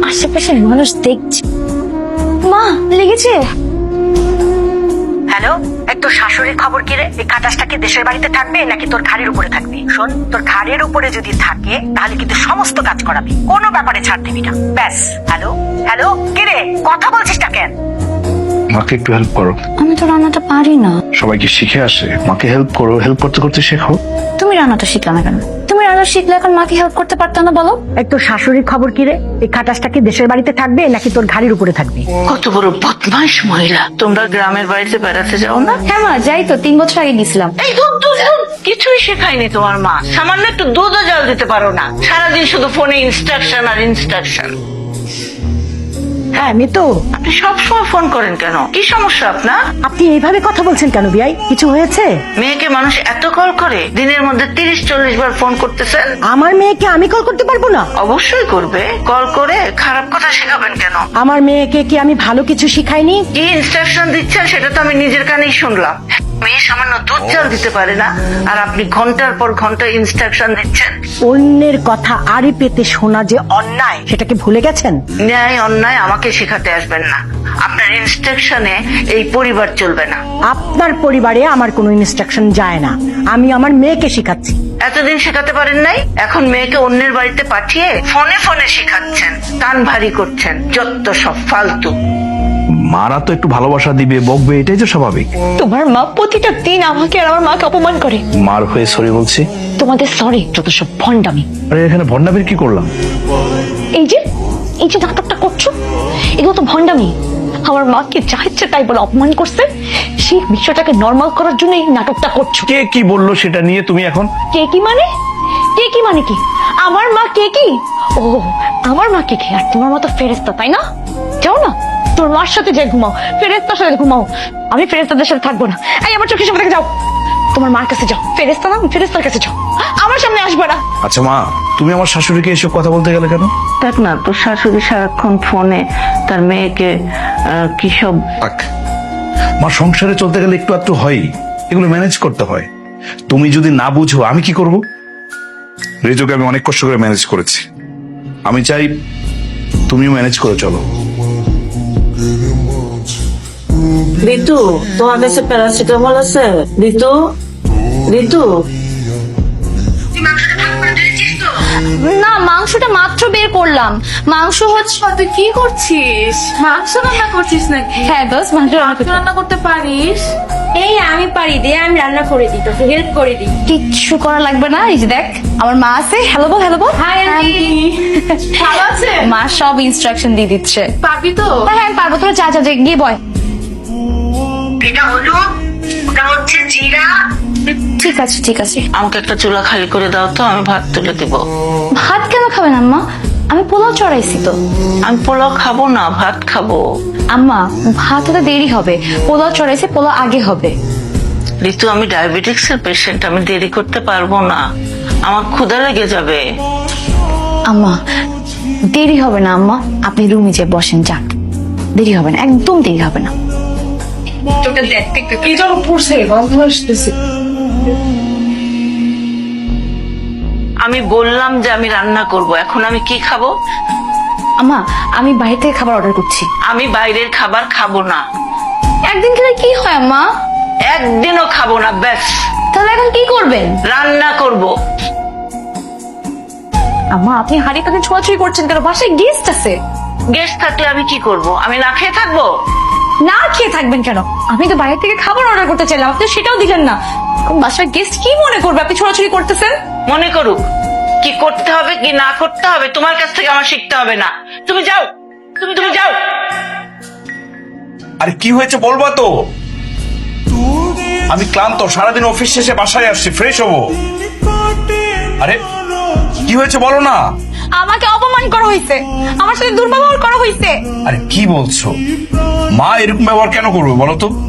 আশেপাশের মানুষ দেখছে। মা লেগেছে। হ্যালো, তোর শাশুড়ির খবর কি রে? এই খাটাসটা কি দেশের বাড়িতে থাকবে নাকি তোর ঘাড়ের উপরে থাকবে? শোন, তোর ঘাড়ের উপরে যদি থাকে তাহলে কিন্তু সমস্ত কাজ করাবি, কোনো ব্যাপারে ছাড় দিবি না। ব্যাস। হ্যালো হ্যালো, কি রে কথা বলছিস না কেন? মাকে একটু হেল্প করো। আমি তো রান্নাটা পারি না। সবাইকে শিখে আসে, মাকে হেল্প করো, হেল্প করতে করতে শেখো। তুমি রান্নাটা শিখলে না কেন? তুমি রান্না শিখলে এখন মাকে হেল্প করতে পারতো না বলো? তোর শাশুড়ির খবর কি রে? এই খাটাসটা কি দেশের বাড়িতে থাকবে নাকি তোর ঘাড়ের উপরে থাকবে? কত বড় বদমাইশ মহিলা। তোমরা গ্রামের বাড়িতে বেড়াতে যাও না? হ্যাঁ মা, যাই তো, 3 বছর আগে গেছিলাম। এই দুধ দুধ দুধ কিছুই শেখায়নি তোমার মা। সামান্য একটু দুধও জল দিতে পারো না, সারাদিন শুধু ফোনে ইনস্ট্রাকশন আর ইনস্ট্রাকশন। হ্যাঁ মিতু, আপনি সবসময় ফোন করেন কেন? কি সমস্যা আপনার? আপনি এইভাবে কথা বলছেন কেন বিয়াই? কিছু হয়েছে? মেয়েকে মানুষ এত কল করে, দিনের মধ্যে 30-40 বার ফোন করতেছেন। আমার মেয়েকে আমি কল করতে পারবো না? অবশ্যই করবে। কল করে খারাপ কথা শেখাবেন কেন? আমার মেয়েকে কি আমি ভালো কিছু শিখাইনি? কি ইনস্ট্রাকশন দিচ্ছেন সেটা তো আমি নিজের কানেই শুনলাম। মেয়ে সামান্য দুধ জল দিতে পারে না, আর আপনি ঘন্টার পর ঘন্টা ইনস্ট্রাকশন দিচ্ছেন। অন্যের কথা আড়ি পেতে শোনা যে অন্যায়, সেটাকে ভুলে গেছেন? ন্যায় অন্যায় আমাকে শেখাতে আসবেন না। আপনার ইনস্ট্রাকশনে এই পরিবার চলবে না। আপনার পরিবারে আমার কোনো ইনস্ট্রাকশন যায় না, আমি আমার মেয়েকে শিখাচ্ছি। এতদিন শেখাতে পারেন নাই, এখন মেয়েকে অন্যের বাড়িতে পাঠিয়ে ফোনে ফোনে শেখাচ্ছেন, কান ভারী করছেন। যত সব ফালতু। মারা তো একটু ভালোবাসা দিবে, বকবে, এটাই তো স্বাভাবিক। তোমার মা প্রতিটা দিন আমাকে আর আমার মাকে অপমান করে। মার হয়ে সরি বলছি। তোমাদের সরি যত সব ভণ্ডামি। আরে এখানে ভন্ডামির কি করলাম? এই যে নাটকটা করছো, এগুলো তো ভণ্ডামি। আমার মাকে যা ইচ্ছে তাই বলে অপমান করছে, সেই বিষয়টাকে নর্মাল করার জন্য এই নাটকটা করছো। কে কি বললো সেটা নিয়ে তুমি এখন? কে কি মানে? কে কি মানে কি? আমার মা কে কি? ও, আমার মা কে কি? আর তোমার মতো ফেরেস্তা, তাই না? যাও না, তোর মার সাথে যে ঘুমাও, ফেরেস্তার সাথে ঘুমাও। আমি ফেরেস্তাদের সাথে থাকবো না। এই আমার চোখের সামনে থেকে যাও, তোমার মার কাছে যাও। ফেরেস্তা না, ফেরেস্তার কাছে যাও, আমার সামনে আসবে না। আচ্ছা মা, তুমি আমার শাশুড়িকে এসব কথা বলতে গেলে কেন? দেখ না, তোর শাশুড়ি সারাক্ষণ ফোনে তার মেয়েকে কি সব। থাক, মা, সংসারে চলতে গেলে একটু একটু হয়, এগুলো ম্যানেজ করতে হয়। তুমি যদি না বুঝো আমি কি করব? রেজোকে আমি অনেক কষ্ট করে ম্যানেজ করেছি, আমি চাই তুমিও ম্যানেজ করে চলো। ঋতু, তোমার কাছে প্যারাসিটামল আছে? ঋতু, ঋতু। না, মাংসটা মাত্র বের করলাম। মাংস হচ্ছে। তুই কি করছিস? মাংস রান্না করছিস নাকি? হ্যাঁ দোস্ত, মাংস রান্না করছি। রান্না করতে পারিস? এই আমি পারি, দে আমি রান্না করে দিই, তোকে হেল্প করে দিই। কিচ্ছু করা লাগবে না, এই যে দেখ আমার মা আছে। হ্যালো বল, হ্যালো বল। হাই আন্টি, ভালো আছে? মা সব ইনস্ট্রাকশন দিয়ে দিচ্ছে। পারবি তো? হ্যাঁ আমি পারবো, তোরা যা যা যা, গিয়ে বয়। এটা হলো, ওটা হচ্ছে জিরা। ঠিক আছে ঠিক আছে। আমাকে একটা চুলা খালি করে দাও তো, আমি ভাত তুলে দিব। ভাত কেন খাবেন আম্মা? আমি পোলাও চড়াইছি তো। আমি পোলাও খাবো না, ভাত খাবো। আম্মা, ভাত হতে দেরি হবে, পোলাও চড়াইছি, পোলাও আগে হবে। ঋতু, আমি ডায়াবেটিক্স এর পেশেন্ট, আমি দেরি করতে পারবো না, আমার ক্ষুধা লেগে যাবে। আম্মা দেরি হবে না আম্মা, আপনি রুমে যেয়ে বসেন, যান। দেরি হবে না, একদম দেরি হবে না। কি যেন পড়ছে, গন্ধ আসতেছে। আমি বললাম যে আমি রান্না করব, এখন আমি কি খাবো? আম্মা, আমি বাইরে থেকে খাবার অর্ডার করছি। আমি বাইরের খাবার খাবো না। একদিন খেলে কি হয় আম্মা? একদিনও খাবো না, ব্যাস। তাহলে এখন কি করবেন? রান্না করব। আম্মা, আপনি হাড়ি কাকে ছোঁয়াছুঁই করছেন কেন? বাসায় গেস্ট আছে। গেস্ট থাকলে আমি কি করব? আমি না খেয়ে থাকবো? না খেয়ে থাকবেন কেন? আমি তো বাইরে থেকে খাবার অর্ডার করতে চাইলাম, আপনি সেটাও দিলেন না। বাসায় গেস্ট কি মনে করবে আপনি ছোঁয়াছুঁই করতেছেন? মনে করুক, কি করতে হবে কি না করতে হবে তোমার কাছ থেকে আমার শিখতে হবে না। তুমি যাও, তুমি যাও। আরে কি হয়েছে বলবা তো? আমি ক্লান্ত, সারাদিন অফিস শেষে বাসায় আসছি, ফ্রেশ হবো। আরে কি হয়েছে বলো না? আমাকে অপমান করা হয়েছে, আমার সাথে দুর্ব্যবহার করা হয়েছে। আরে কি বলছো? মা এরকম ব্যবহার কেন করবে বলো তো?